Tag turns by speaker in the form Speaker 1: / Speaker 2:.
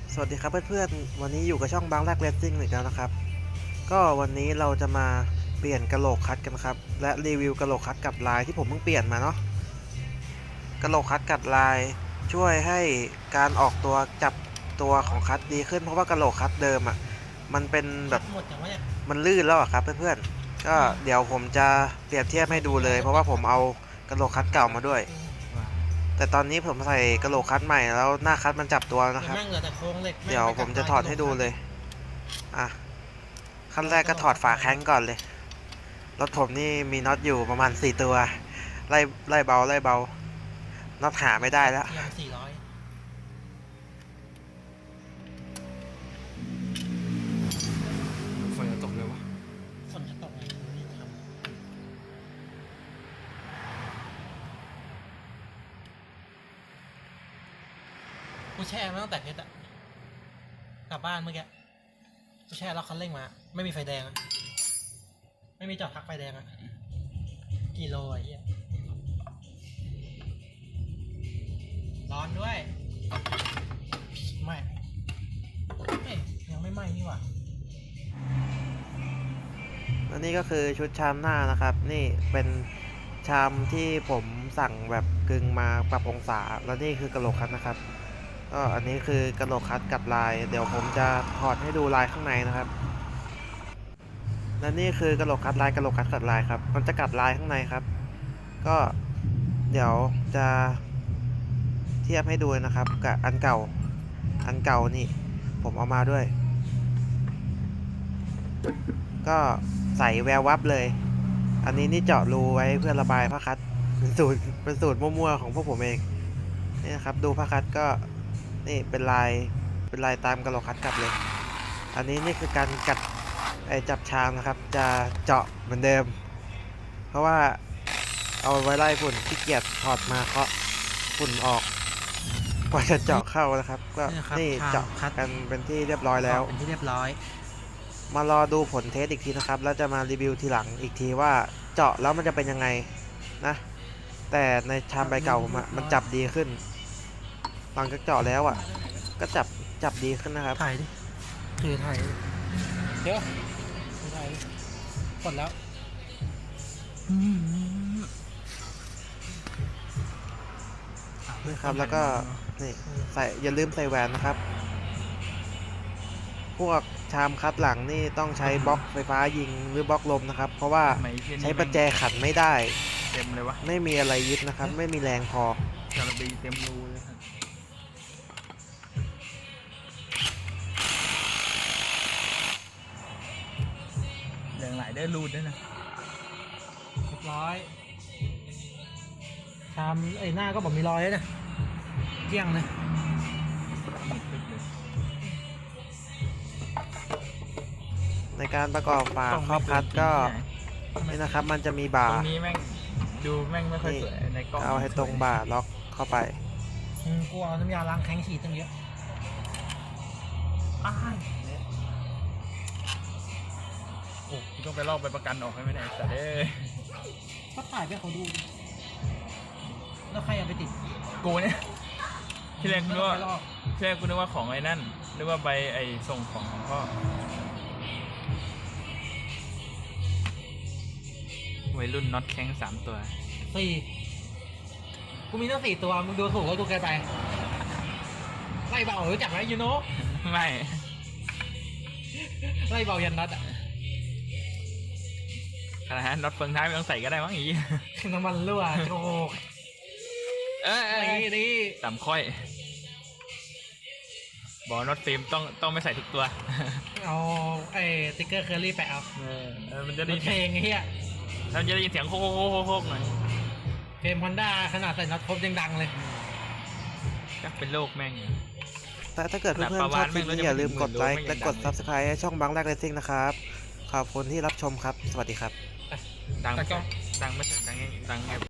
Speaker 1: สวัสดีครับเพื่อนๆวันนี้อยู่กับช่องบางแรกเรซซิ่งอีกแล้วนะครับก็วันนี้เราจะมาเปลี่ยนกะโหลกคัดกันครับและรีวิวกะโหลกคัดกับลายที่ผมเพิ่งเปลี่ยนมาเนาะกะโหลกคัดกับลายช่วยให้การออกตัวจับตัวของคัดดีขึ้นเพราะว่ากะโหลกคัดเดิมอ่ะมันเป็นแบบมันลื่นแล้วอะครับเพื่อนๆก็เดี๋ยวผมจะเปรียบเทียบให้ดูเลยเพราะว่าผมเอากะโหลกคัดเก่ามาด้วยแต่ตอนนี้ผมใส่กะโหลกคัดใหม่แล้วหน้าคัดมันจับตัวนะครับเดี๋ยวผมจะถอดให้ดูเลยอ่ะขั้นแรกก็ถอดฝาแข้งก่อนเลยรถผมนี่มีน็อตอยู่ประมาณ4ตัวไล่เบาน็อตหาไม่ได้แล้ว
Speaker 2: ฝนจะตกเลยวะ
Speaker 3: ฝนจะตกไงนี่ทำกูแช่มาตั้งแต่เพชรอะกลับบ้านเมื่อกี้กูแช่แล้วคันเร่งมาไม่มีไฟแดงอะไม่มีจอดพักไฟแดงอะกิโลไอ้เหี้ยร้อนด้วยไม่ยังไม่ไหม้นี่หว่า
Speaker 1: และนี่ก็คือชุดชามหน้านะครับนี่เป็นชามที่ผมสั่งแบบกึ่งมาปรับองศาแล้วนี่คือกะโหลกคัดนะครับก็อันนี้คือกะโหลกคัดกับลายเดี๋ยวผมจะถอดให้ดูลายข้างในนะครับและนี่คือกะโหลกคัดลายกะโหลกคัดกับลายครับมันจะกัดลายข้างในครับก็เดี๋ยวจะเทียบให้ดูนะครับกับอันเก่านี่ผมเอามาด้วยก็ใส่แวววับเลยอันนี้นี่เจาะรูไว้เพื่อระบายผ้าคัดเป็นสูตรมั่วๆของพวกผมเองนี่นะครับดูผ้าคัดก็นี่เป็นลายตามกะโหลกคัดกลับเลยอันนี้นี่คือการกัดจับชามนะครับจะเจาะเหมือนเดิมเพราะว่าเอาไว้ไล่ฝุ่นที่เกียจถอดมาเคาะฝุ่นออกกว่าจะเจาะเข้านะครับก็นี่เจาะกันเป็นที่เรียบร้อยแล้ว
Speaker 3: เป็นที่เรียบร้อย
Speaker 1: มารอดูผลเทสอีกทีนะครับแล้วจะมารีวิวทีหลังอีกทีว่าเจาะแล้วมันจะเป็นยังไงนะแต่ในชามใบเก่าผมมันจับดีขึ้นหลังจากเจาะแล้วก็จับดีขึ้นนะครับ
Speaker 3: ถ่ายดิคือถ่ายเดี๋ยวถ่ายกดแล้ว
Speaker 1: นี่ครับแล้วก็นี่อย่าลืมใส่แหวนนะครับพวกชามคัดหลังนี่ต้องใช้บล็อกไฟฟ้ายิงหรือบล็อกลมนะครับเพราะว่าใช้ประแจขันไม่ได้
Speaker 2: เต็มเลยวะ
Speaker 1: ไม่มีอะไรยึดนะครับไม่มีแรงพอ
Speaker 2: จาระบีเต็มรูเลยครับแรงไหลได้รูดด้วยนะ
Speaker 3: เรียบร้อยชามหน้าก็บอกมีรอยเลยนะเกลี้ยงเลย
Speaker 1: ในการประกอบฝาครอบคัดก็นี่นะครับมันจะมีบ่า
Speaker 2: ตรงนี้แม่งดูแม่งไม่ค่อยสวยในกล้อง
Speaker 1: เอาให้ตรงบ่าล็อกเข้าไป
Speaker 3: กูเอาน้ำยาล้างแข้งฉีดตั้งเยอะ
Speaker 2: โอ้กูต้องไปลอกใบประกันออกให้ไม่ได้แต่เด้
Speaker 3: ก็ถ่ายไปเขาดูแล้วใครเอาไปติด
Speaker 2: กูเนี่ยที่แรกกูนึกว่าของไอ้นั่นนึกว่าใบไอ้ส่งของพ่อวัยรุ่นน็อตแข้ง3 ตัว
Speaker 3: กูมีตั้ง4 ตัวมึงดูถูกแล้วกูเกินไปไล่เบารู้จักไหมยูโน่
Speaker 2: ไม่
Speaker 3: ไล่เบายันน็อตอะ
Speaker 2: ขนาดนั้นน็อตเฟืองท้ายไม่ต้องใส่ก็ได้มั้งอี
Speaker 3: น้ำมันรั่วโอ้นี่
Speaker 2: 3 ค่อยบอกน็อตฟิล์มต้องไม่ใส่ทุกตัว
Speaker 3: เอาติ๊กเกอร์เคอรี่แปะเอา
Speaker 2: มันจะได้
Speaker 3: เพลงเฮีย
Speaker 2: เราจะได้ยินเสียงโคกหน่อย
Speaker 3: เพลงฮอนด้าขนาดใส่น็อตครบยังดังเลย
Speaker 2: ก็เป็นโลกแม่ง
Speaker 1: แต่ถ้าเกิดเพื่อนๆชอบคลิปนี้อย่าลืมกดไลค์และกด Subscribe ให้ช่องบางแรกเรซซิ่งนะครับขอบคุณที่รับชมครับสวัสดีครับ
Speaker 2: ดังไม่ถึงดัง